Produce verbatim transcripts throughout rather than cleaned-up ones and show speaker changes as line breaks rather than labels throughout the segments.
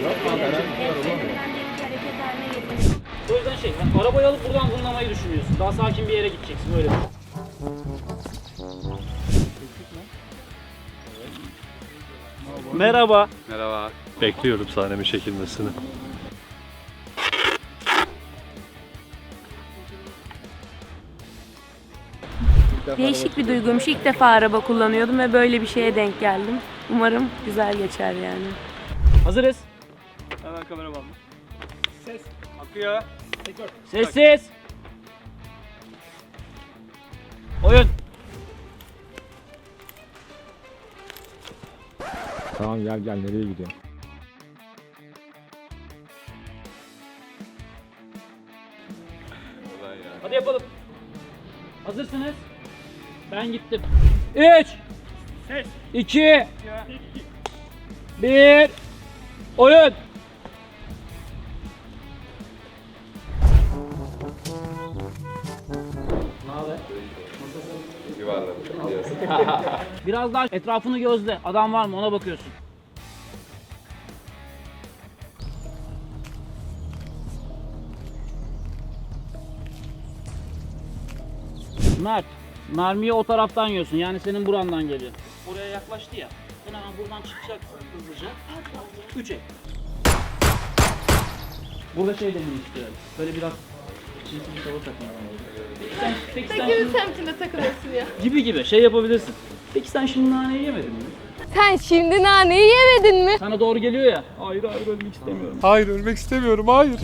O yüzden şey, yani arabayı alıp buradan zınlamayı düşünüyorsun. Daha sakin bir yere gideceksin, öyle düşün. Merhaba.
Merhaba.
Bekliyorum sahnemin çekilmesini.
Değişik bir duyguymuş. İlk defa araba kullanıyordum ve böyle bir şeye denk geldim. Umarım güzel geçer yani.
Hazırız.
Hemen kamera bağlı. Ses. Akıyor.
Sessiz. Oyun.
Tamam gel gel nereye gidiyorsun?
Hadi yapalım. Hazırsınız. Ben gittim. üç iki bir Oyun. Ne haber?
Yuvarladım.
Biraz daha etrafını gözle. Adam var mı ona bakıyorsun. Mert, mermiyi o taraftan yiyorsun. Yani senin burandan geliyor. Oraya yaklaştı ya. Sen hemen buradan çıkacaksın hızlıca. Üçe. Burada şey demeyi istiyorum. Böyle biraz çirkin bir tavır takın. Peki sen, peki sen
Sekiz
şimdi,
semtinde takılıyorsun ya.
gibi gibi şey yapabilirsin. Peki sen şimdi naneyi yemedin mi?
Sen şimdi naneyi yemedin mi?
Sana doğru geliyor ya. Hayır hayır ölmek istemiyorum.
Hayır ölmek istemiyorum. Hayır.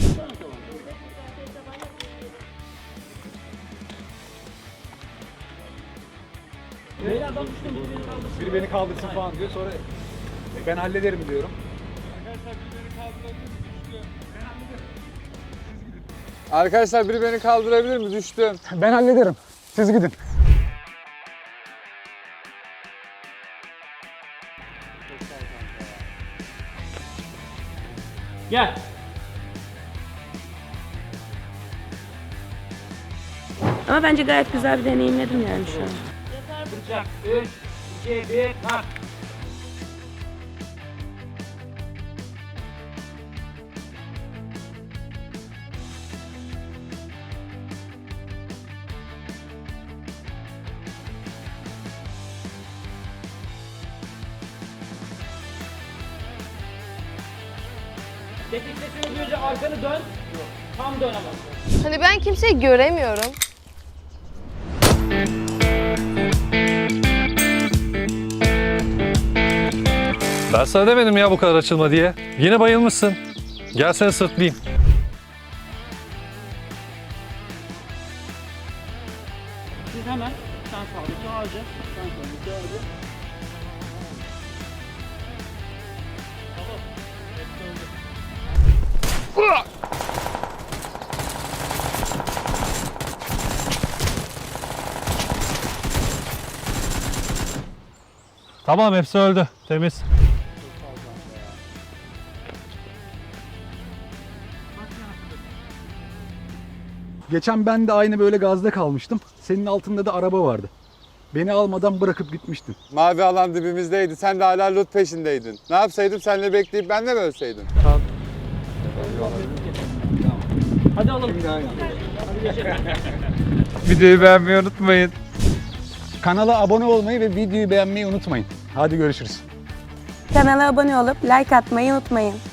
Beyler ben düştüm. Biri beni kaldırsın.
Biri beni kaldırsın falan diyor sonra ben hallederim diyorum.
Arkadaşlar biri beni kaldırabilir mi? Düştüm.
Ben hallederim. Siz gidin.
Gel.
Ama bence gayet güzel bir deneyimledim yani şu an.
Bıçak. üç, iki, bir, kalk. Tetik sesini duyunca arkanı dön. Tam dön ama.
Hani ben kimseyi göremiyorum.
Ben sana demedim ya bu kadar açılma diye. Yine bayılmışsın. Gel seni sırtlayayım.
Siz hemen sen sağdaki ağacı, sen soldaki ağacı.
Tamam hepsi öldü. Temiz.
Geçen ben de aynı böyle gazda kalmıştım. Senin altında da araba vardı. Beni almadan bırakıp gitmiştin.
Mavi alan dibimizdeydi. Sen de hala loot peşindeydin. Ne yapsaydım? Seninle bekleyip ben de mi ölseydim?
Hadi alalım. Hadi geçelim.
Videoyu beğenmeyi unutmayın.
Kanala abone olmayı ve videoyu beğenmeyi unutmayın. Hadi görüşürüz.
Kanala abone olup like atmayı unutmayın.